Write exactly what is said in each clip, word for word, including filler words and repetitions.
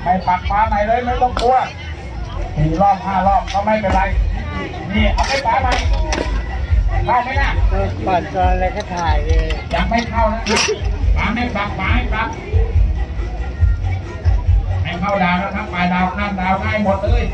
ไม่ปักฟ้าไหนเลยไม่ต้องกลัวสี่รอบห้ารอบก็ไม่เป็นไรนี่เอาไปฟ้าไหนเข้าไหมนะปั่นตอนอะไรก็ถ่ายเลยยังไม่เข้านะฟ้าไม่ปักฟ้าให้ปักให้เข้าดาวนะครับปลายดาวข้ามดาวง่ายหมดเลย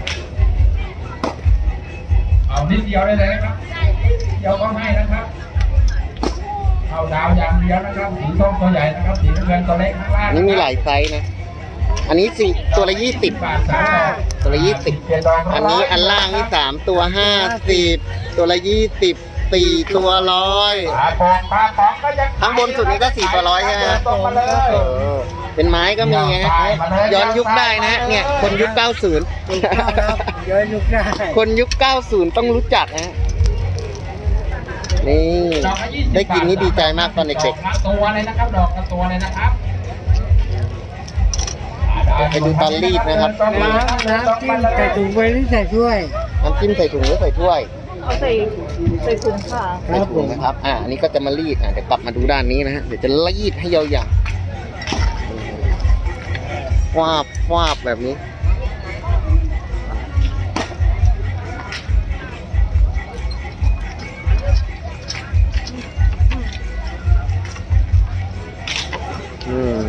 เอานิดเดียวได้เลยนะครับเดียวก็ให้นะครับเข้าดาวอย่างเดียวนะครับสีส้มตัวใหญ่นะครับสีน้ำเงินตัวเล็กข้างล่างนี่มีหลายไซส์นะ อันนี้สี่ตัวละยี่สิบบาทสามดอกตัวละยี่สิบอันนี้อันล่างนี่สามตัวห้าสิบตัวละยี่สิบสี่ตัวร้อยปลาปองปลาปองก็ยังข้างบนสุดนี้ก็สี่ตัวร้อยใช่ไหมตรงมาเลยเออเป็นไม้ก็มีไงย้อนยุคได้นะเนี่ยคนยุคเก้าสิบเยอะยุคได้คนยุคเก้าสิบต้องรู้จักนะนี่ได้กินนี่ดีใจมากตอนเด็กดอกละตัวเลยนะครับดอกละตัวเลยนะครับๆไปดูตอนรีดนะครับน้ำน้ำจิ้มใส่ถุงไว้หรือใส่ถ้วยน้ำจิ้มใส่ถุงหรือใส่ถ้วยเอาใส่ใส่ถุงค่ะใส่ถุงนะครับ อ่าอันนี้ก็จะมารีด อ่าเดี๋ยวกลับมาดูด้านนี้นะฮะ เดี๋ยวจะรีดให้ยาวๆฟาบฟาบแบบนี้ อืม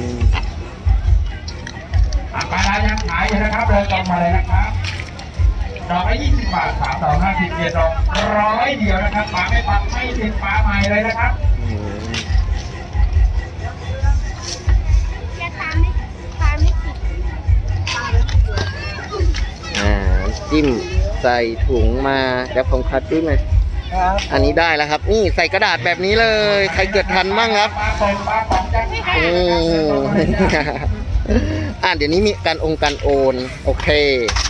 ปลาดายังขายอยู่นะครับเดินตรงมาเลยนะครับดอกละยี่สิบบาทสามดอกห้าสิบเจ็ดดอกร้อยเดียวนะครับปลาไม่ปักไม่ติดปลาใหม่เลยนะครับอืมจะตามไม่ตามไม่ติดอ่าจิ้มใส่ถุงมาเดี๋ยวผมคัดด้วยไหมครับอันนี้ได้แล้วครับ นี่ใส่กระดาษแบบนี้เลย ใครเกิดทันมั่งครับปลาปองปลาปองจะขายอืนะครับเดินตรงมาเลยนะม อ่าเดี๋ยวนี้มีการองค์การโอน โอเค